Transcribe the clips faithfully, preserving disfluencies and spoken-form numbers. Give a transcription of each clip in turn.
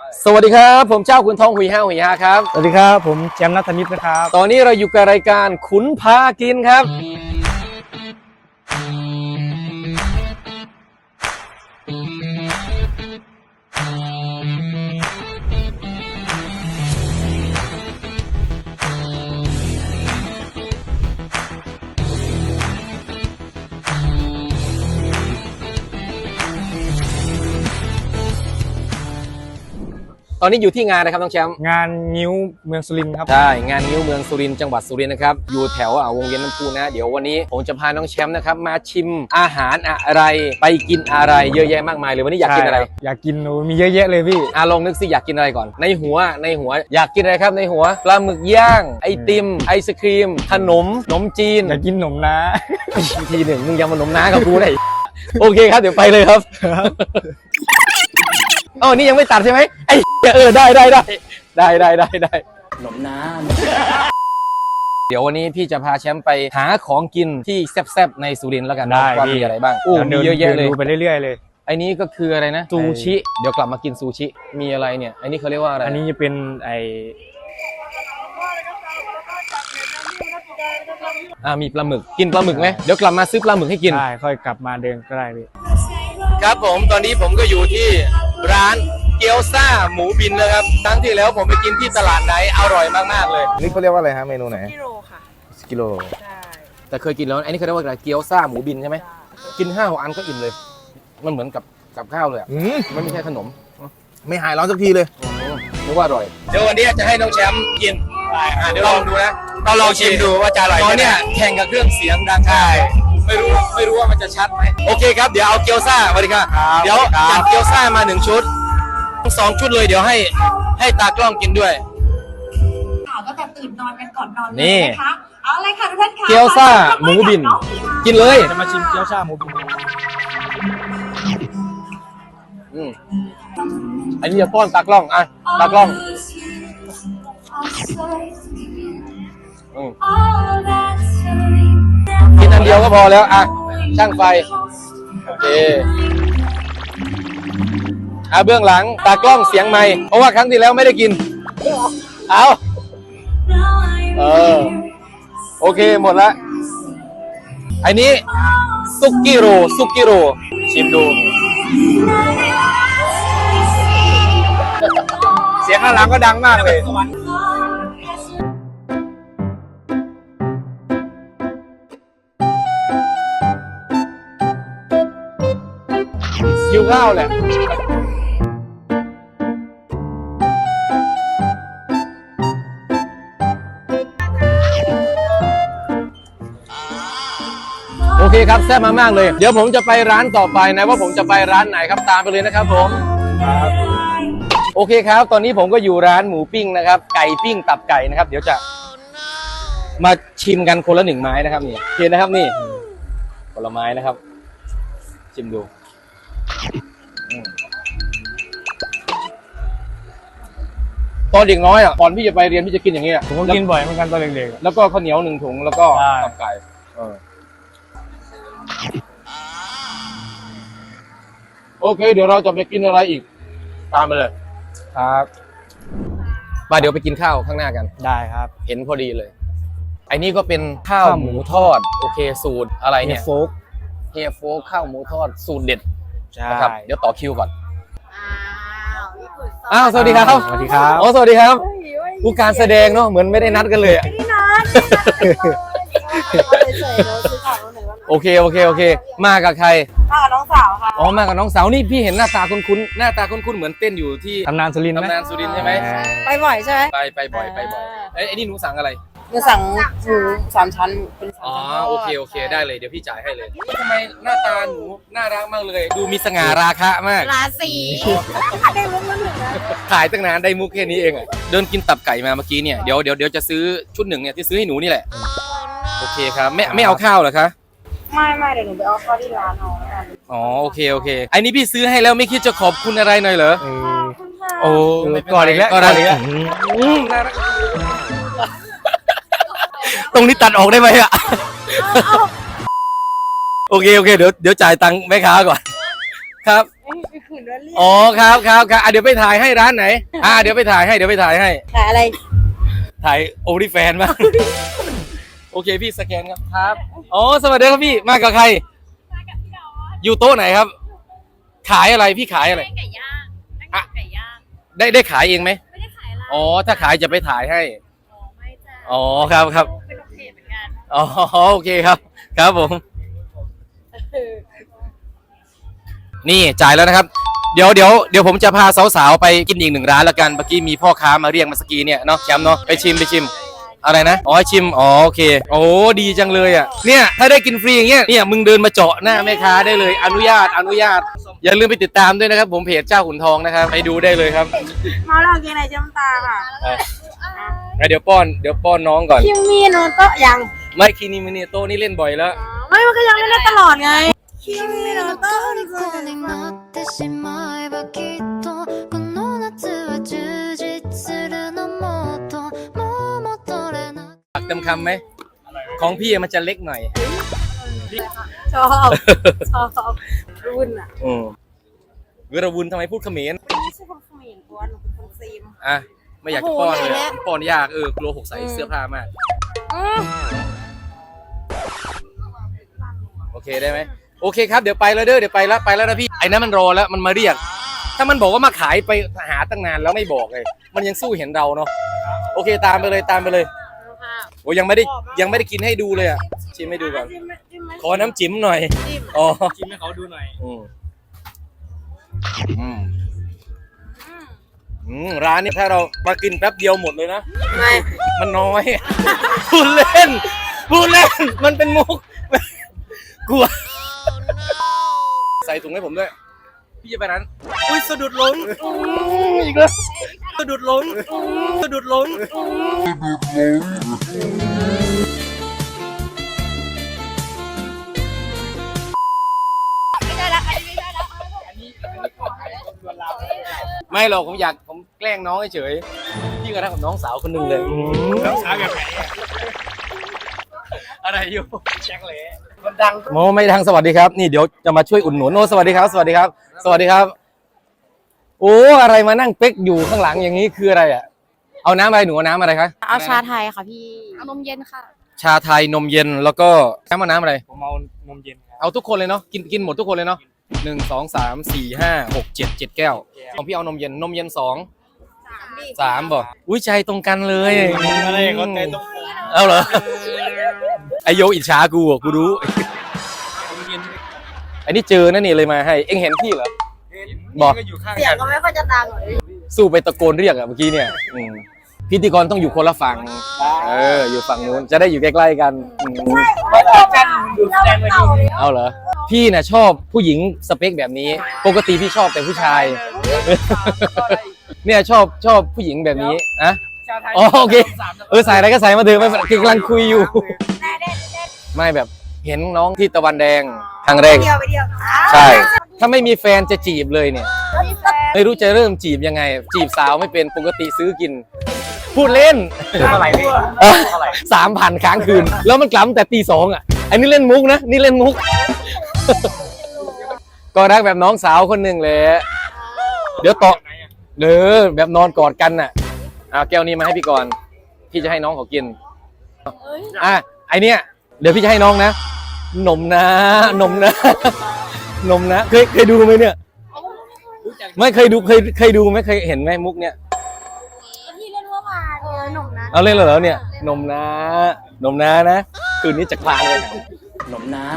สวัสดีครับผมเจ้าขุนทองหุยห้าหุยห้าครับสวัสดีครับผมแชมป์นัทนิตนะครับตอนนี้เราอยู่กับรายการขุนพากินครับตอนนี้อยู่ที่งานนะครับน้องแชมป์งานนิ้วเมืองสุรินทร์ครับใช่งานนิ้วเมืองสุรินทร์จังหวัดสุรินทร์นะครับอยู่แถววงเวียนน้ำพุนะเดี๋ยววันนี้ผมจะพาน้องแชมป์นะครับมาชิมอาหารอะไรไปกินอะไรเยอะแยะมากมายเลยวันนี้อยากกินอะไรอยากกินมีเยอะแยะเลยพี่อ่ะลองนึกสิอยากกินอะไรก่อนในหัวในหัวอยากกินอะไรครับในหัวปลาหมึกย่างไอติมไอศครีมขนมขนมจีนอยากกินขนมน้าทีหนึ่งมึงยังมาขนมน้ากับกูได้โอเคครับเดี๋ยวไปเลยครับอ๋อนี่ยังไม่ตัดใช่ไหมไอ้เออได้ได้ได้ได้ได้ได้ได้ขนมน้ำเดี๋ยววันนี้พี่จะพาแชมป์ไปหาของกินที่แซ่บๆในสุรินทร์แล้วกันนะว่ามีอะไรบ้างโอ้มีเยอะแยะเลยดูไปเรื่อยๆเลยไอ้นี้ก็คืออะไรนะซูชิเดี๋ยวกลับมากินซูชิมีอะไรเนี่ยไอ้นี่เขาเรียกว่าอะไรอันนี้จะเป็นไออ่ามีปลาหมึกกินปลาหมึกไหมเดี๋ยวกลับมาซื้อปลาหมึกให้กินได้ค่อยกลับมาเดินก็ได้พี่ครับผมตอนนี้ผมก็อยู่ที่ร้านเกี๊ยวซ่าหมูบินนะครับครั้งที่แล้วผมไปกินที่ตลาดไหนอร่อยมากๆเลยนี่เขาเรียกว่าอะไรฮะเมนูไหนกิโลค่ะกิโลใช่แต่เคยกินแล้วอันนี้เขาเรียกว่าอะไรเกี๊ยวซ่าหมูบินใช่ไหมกินห้าหกอันก็อิ่มเลยมันเหมือนกับกับข้าวเลยมันไม่ใช่ขนมไม่หายร้อนสักทีเลยนึกว่าอร่อยเดี๋ยววันนี้จะให้น้องแชมป์กินเดี๋ยวลองดูนะเราลองชิมดูว่าจะอร่อยตอนนี้แข่งกับเครื่องเสียงดังใช่ไม่รู้ไม่รู้ว่ามันจะชัดไหมโอเคครับเดี๋ยวเอาเกี๊ยวซ่าสวัสดีครับเดี๋ยวจัดเกี๊ยวซ่ามาหนึ่งชุดสองชุดเลยเดี๋ยวให้ให้ตากล้องกินด้วยข่าวก็จะตื่นนอนกันก่อนนอนเลยนะคะเอาเลยค่ะทุกท่านค่ะเกี๊ยวซ่าหมูบินกินเลยจะมาชิมเกี๊ยวซ่าหมูบินอืมอันนี้จะป้อนตากล้องอ่ะตากล้องอืมกินอันเดียวก็พอแล้วอ่ะช่างไฟโอเคอ่ะเบื้องหลังตากล้องเสียงไมค์เพราะว่าครั้งที่แล้วไม่ได้กินเอาเออโอเคหมดละอันนี้ซุกิโรซุกิโรชิมดูเสียงข้างหลังก็ดังมากเลยหิวข้าวแหละโอเคครับแซ่บมากๆเลยเดี๋ยวผมจะไปร้านต่อไปนะว่าผมจะไปร้านไหนครับตามไปเลยนะครับผมโอเคครับตอนนี้ผมก็อยู่ร้านหมูปิ้งนะครับไก่ปิ้งตับไก่นะครับเดี๋ยวจะมาชิมกันคนละหนึ่งไม้นะครับนี่เห็นนะครับนี่ผลไม้นะครับชิมดูตอนเด็กน้อยอ่ะก่อนพี่จะไปเรียนพี่จะกินอย่างนี้อ่ะผมก็กินบ่อยเหมือนกันตอนเด็กๆแล้วก็ข้าวเหนียวหนึ่งถุงแล้วก็ตับไก่โอเคเดี๋ยวเราจะไปกินอะไรอีกตามไปเลยครับมาเดี๋ยวไปกินข้าวข้างหน้ากันได้ครับเห็นพอดีเลยไอ้นี่ก็เป็นข้าวหมูทอดโอเคสูตรอะไรเนี่ยโฟกเฮียโฟกข้าวหมูทอดสูตรเด็ดใช่ครับเดี๋ยวต่อคิวก่อนอ้าวสวัสดีครับสวัสดีครับอ๋อสวัสดีครับผู้การแสดงเนาะเหมือนไม่ได้นัดกันเลยอ่ะโอเคโอเคโอเคมากับใครมากับน้องสาวค่ะอ๋อมากับน้องสาวนี่พี่เห็นหน้าตาคุ้นๆหน้าตาคุ้นๆเหมือนเต้นอยู่ที่ตำนานสุรินทร์ไหมตำนานสุรินทร์ใช่ไหมไปบ่อยใช่ไหมไปไปบ่อยไปบ่อยเอ้ยไอ้นี่หนูสั่งอะไรหนูสั่งหมูสามชั้นเป็นอ๋อโอเคโอเคได้เลยเดี๋ยวพี่จ่ายให้เลยทำไมหน้าตาหนูน่ารักมากเลยดูมีสง่าราคะมากราศีได้มุกแล้วหนึ่งนะถ่ายตั้งนานได้มุกแค่นี้เองอ่ะเดินกินตับไก่มาเมื่อกี้เนี่ยเดี๋ยวเดี๋ยวเดี๋ยวจะซื้อชุดหนึ่งเนี่ยที่ซื้อให้หนูนี่แหละโอเคครับไม่ไม่เอาข้าวเหรอคะไม่ไม่เดี๋ยวหนูไปเอาข้าวที่ร้านเอาอ๋อโอเคโอเคไอ้นี่พี่ซื้อให้แล้วไม่คิดจะขอบคุณอะไรหน่อยเหรอโอ้ก่อนอีกแล้วก่อนอีกแล้วตรงนี้ตัดออกได้ไหมอ่ะโอเคโอเคเดี๋ยวเดี๋ยวจ่ายตังค์แม่ค้าก่อนครับขืนว่าเรียกอ๋อครับครับครับอ่ะเดี๋ยวไปถ่ายให้ร้านไหนอ่ะเดี๋ยวไปถ่ายให้เดี๋ยวไปถ่ายให้ขายอะไรถ่ายโอริแฟนมา โอเคพี่สแกนครับครับอ๋อสวัสดีครับพี่มากับใครอยู่โต๊ะไหนครับ ขายอะไรพี่ขายอะไรไก่ย่างนั่งกินไก่ย่างได้ได้ขายเองไหมไม่ได้ขายอะไรอ๋อถ้าขายจะไปถ่ายให้อ๋อไม่จ้ะอ๋อครับครับเป็นโอเคเหมือนกันอ๋อโอเคครับ ครับผม นี่จ่ายแล้วนะครับ เดี๋ยวเดี๋ยวเดี๋ยวผมจะพาสาวๆไปกินอีกหนึ่งร้านละกันเมื่อกี้มีพ่อค้ามาเรียกมาสกีเนี่ยเนาะแชมป์เนาะไปชิมไปชิม อะไรนะอ๋อชิมอ๋อโอเคโอ้ดีจังเลยอ่ะเนี่ยถ้าได้กินฟรีอย่างเงี้ยเนี่ยมึงเดินมาเจาะหน้าแม่ค้าได้เลยอนุญาตอนุญาต อย่าลืมไปติดตามด้วยนะครับ ผมเพจเจ้าขุนทองนะครับไปดูได้เลยครับมาลองกินอะไรจ้ำตาค่ะเอองั้นเดี๋ยวป้อนเดี๋ยวป้อนน้องก่อนคิมมี่โนโตะยังไม่คินิมิเนโตนี่เล่นบ่อยแล้วไม่มันก็ยังเล่นได้ตลอดไงคิมมี่โนโตะ虜になってしまえばきっとこの夏は充実するのもっともう戻れないปักเต็มคำไหมของพี่มันจะเล็กหน่อยชอบชอบรุ่นอ่ะอืมเวรวุนทำไมพูดเขมรไม่ใช่คนเขมรตัวหนูเป็นคนซีมอ่ะไม่อยากจะป้อนเลยโอ้โหเนี่ยป้อนยากเออกลัวหกใส่เสื้อผ้ามาก โอเคได้ไหมโอเคครับเดี๋ยวไปแล้วเด้อเดี๋ยวไปแล้วไปแล้วนะพี่ไอ้นั้นมันรอแล้วมันมาเรียก ถ้ามันบอกว่ามาขายไปหาตั้งนานแล้วไม่บอกเลยมันยังสู้เห็นเราเนาะโอเคตามไปเลยตามไปเลยโอ้ยังไม่ได้ยังไม่ได้กินให้ดูเลยอ่ะชิมให้ดูก่อนจิ้มไหมจิ้มไหมขอน้ำจิ้มหน่อยจิ้มอ๋อชิมให้เขาดูหน่อยอืมอืมอืมร้านนี้ถ้าเรามากินแป๊บเดียวหมดเลยนะไม่มันน้อย พูดเล่นพูดเล่นมันเป็นมุกกลัวใส่ถุงให้ผมด้วยพี่จะไปนั้นอุ้ยสะดุดล้มอีกแล้วสะดุดล้มสะดุดล้มไม่หรอกผมอยากผมแกล้งน้องเฉยๆพี่ก็รักกับน้องสาวคนหนึ่งเลยน้องสาวแบบไหนอะอะไรอยู่แจ็คเล่มันดังโมไม่ดังสวัสดีครับนี่เดี๋ยวจะมาช่วยอุดหนุนโอ้สวัสดีครับ สวัสดีครับ สวัสดีครับโอ้อะไรมานั่งเป๊กอยู่ข้างหลังอย่างนี้คืออะไรอ่ะเอาน้ำอะไรหนูเอาน้ำอะไรคะเอาชาไทยค่ะพี่เอานมเย็นค่ะชาไทยนมเย็นแล้วก็น้ำมะน้ำอะไรผมเอานมเย็นครับเอาทุกคนเลยเนาะกินกินหมดทุกคนเลยเนาะหนึ่งสองสามสี่ห้าหกเจ็ดเจ็ดแก้วของพี่เอานมเย็นนมเย็นสองสามบอกอุ้ยใจตรงกันเลยอะไรเขาใจตรงเอาเหรอไอโยอิจฉากูอ่ะกูรู้นมเย็นอันนี้เจอนั่นนี่เลยมาให้เอ็งเห็นพี่เหรอ บอกก็อยู่ข้างเสียงก็ไม่ค่อยจะดังเลยสู้ไปตะโกนเรียกอะเมื่อกี้เนี่ยอืมพิธีกรต้องอยู่คนละฝั่งเอออยู่ฝั่งนู้นจะได้อยู่ใกล้ๆกันอืมกันดูแสดงมาดีเอาเหรอพี่น่ะชอบผู้หญิงสเปคแบบนี้ ปกติพี่ชอบแต่ผู้ชาย เนี่ยชอบชอบผู้หญิงแบบนี้อะชาไทยอ๋อโอเคเออใส่อะไรก็ใส่มาเถอะไม่เป็นไรกำลังคุยอยู่ ไม่แบบเห็นน้องที่ตะวันแดงครั้งแรกเดียวไปเดียวใช่ ถ้าไม่มีแฟนจะจีบเลยเนี่ย ไม่รู้จะเริ่มจีบยังไง จีบสาวไม่เป็นปกติซื้อกิน พูดเล่นเท่าไหร่พี่เท่าไหร่สามพันค้างคืน แล้วมันกลับตั้งแต่ตีสองอ่ะ อันนี้เล่นมุกนะ นี่เล่นมุก ก็รักแบบน้องสาวคนหนึ่งเลยเดี๋ยวต่อเด้อแบบนอนกอดกันน่ะเอาแก้วนี้มาให้พี่ก่อนพี่จะให้น้องเขากินอ่ะไอเนี้ยเดี๋ยวพี่จะให้น้องนะนมนะนมนะนมนะเคยเคยดูไหมเนี่ย ไม่เคยดูเคยเคยดูไหมเคยเห็นไหมมุกเนี่ยที่เล่นเมื่อวานเออหนุ่มนะเอาเล่นเหรอเนี่ยนมนะนมนะนะคืนนี้จะคลานเลยนมนะ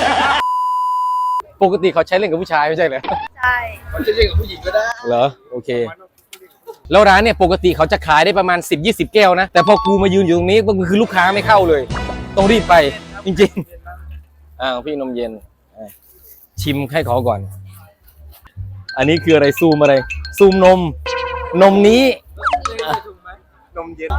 ปกติเขาใช้เล่นกับผู้ชายไม่ใช่เหรอใช่เขาจะเรียกกับผู้หญิงก็ได้เหรอโอเค แล้วร้านเนี่ยปกติเขาจะขายได้ประมาณ สิบ ยี่สิบ แก้วนะแต่พอกูมายืนอยู่ตรงนี้ก็คือลูกค้าไม่เข้าเลย ต้องรีบไปจริงๆอ่าพี่นมเย็นอ่ะชิมให้เขาก่อน อันนี้คืออะไรซูมอะไร ซูมนม นมนี้นมเย็น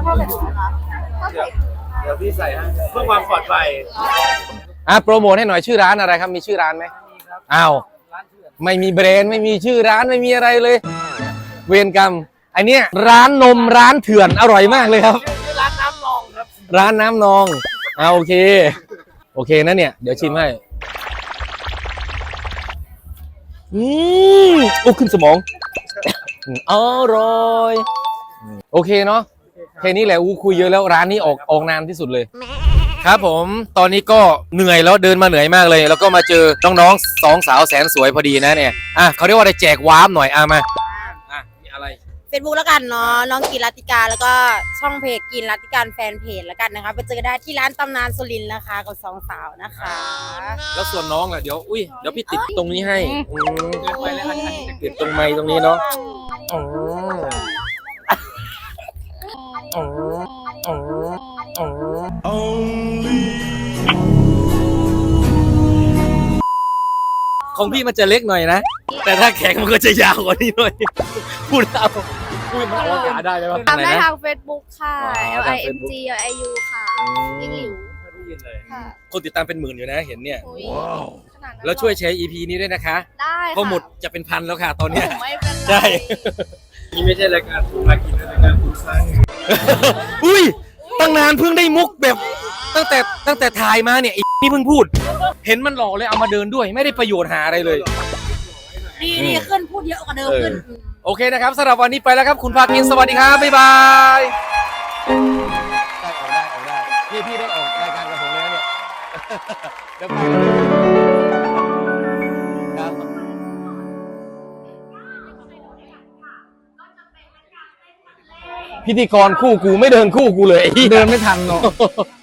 เดี๋ยวพี่ใส่ให้เพื่อความปลอดภัยอ่ะโปรโมทให้หน่อยชื่อร้านอะไรครับมีชื่อร้านไหมอ้าวไม่มีแบรนด์ไม่มีชื่อร้านไม่มีอะไรเลย เวรกรรมไอเนี้ยร้านนมร้านเถื่อนอร่อยมากเลยครับร้านน้ำนองครับร้านน้ำนองอ่าโอเค โอเคนะเนี่ย เดี๋ยวชิมให้อืมโอ้ขึ้นสมองอร่อยโอเคเนาะแค่นี้แหละอู้คุยเยอะแล้วร้านนี้ออกออกนานที่สุดเลย ครับผมตอนนี้ก็เหนื่อยแล้วเดินมาเหนื่อยมากเลย แล้วก็มาเจอน้องๆสองสาวแสนสวยพอดีนะเนี่ยอ่ะเขาเรียกว่าอะไรแจกวาร์ปหน่อยอ่ะมาอ่ะมีอะไรเฟซบุ๊กแล้วกันเนาะน้องกินรัตติการแล้วก็ช่องเพจกินรัตติการแฟนเพจแล้วกันนะคะไปเจอได้ที่ร้านตำนานสุรินทร์นะคะกับสองสาวนะคะแล้วส่วนน้องล่ะเดี๋ยวอุ้ยเดี๋ยวพี่ติดตรงนี้ให้อืมไปแล้วอันนี้จะติดตรงไม้ตรงนี้เนาะอ๋ออ๋ออ๋ออ๋อของพี่มันจะเล็กหน่อยนะแต่ถ้าแข็งมันก็จะยาวกว่านี้หน่อยพูดเอาพูดมาเอาขาได้ไหมวะทำได้หนนะทาง Facebook ค่ะอ๋อ L ทาง I M G L I U ค่ะยิงหลิวค่ะคนติดตามเป็นหมื่นอยู่นะเห็นเนี่ยอุ๊ยขนาดนั้นแล้วช่วยแชร์ อี พี นี้ด้วยนะคะได้ค่ะเพราะหมดจะเป็นพันแล้วค่ะตอนเนี้ยไม่เป็นไรใช่นี่ไม่ใช่รายการคุณมากินนะรายการคุณสร้างอุ้ยตั้งนานเพิ่งได้มุกแบบตั้งแต่ตั้งแต่ถ่ายมาเนี่ยไอ้นี่เพิ่งพูด เห็นมันหล่อเลยเอามาเดินด้วย ไม่ได้ประโยชน์หาอะไรเลยดีดีขึ้นพูดเยอะกว่าเดิมขึ้นโอเคนะครับสำหรับวันนี้ไปแล้วครับคุณภาคินสวัสดีครับบ๊ายบายได้ออกได้ออกได้พี่พี่ได้ออกรายการกับผมแล้วเนี่ยเดี๋ยวไปครับ พิธีกรคู่กูไม่เดินคู่กูเลยไอ้เหี้ยเดินไม่ทันเนาะ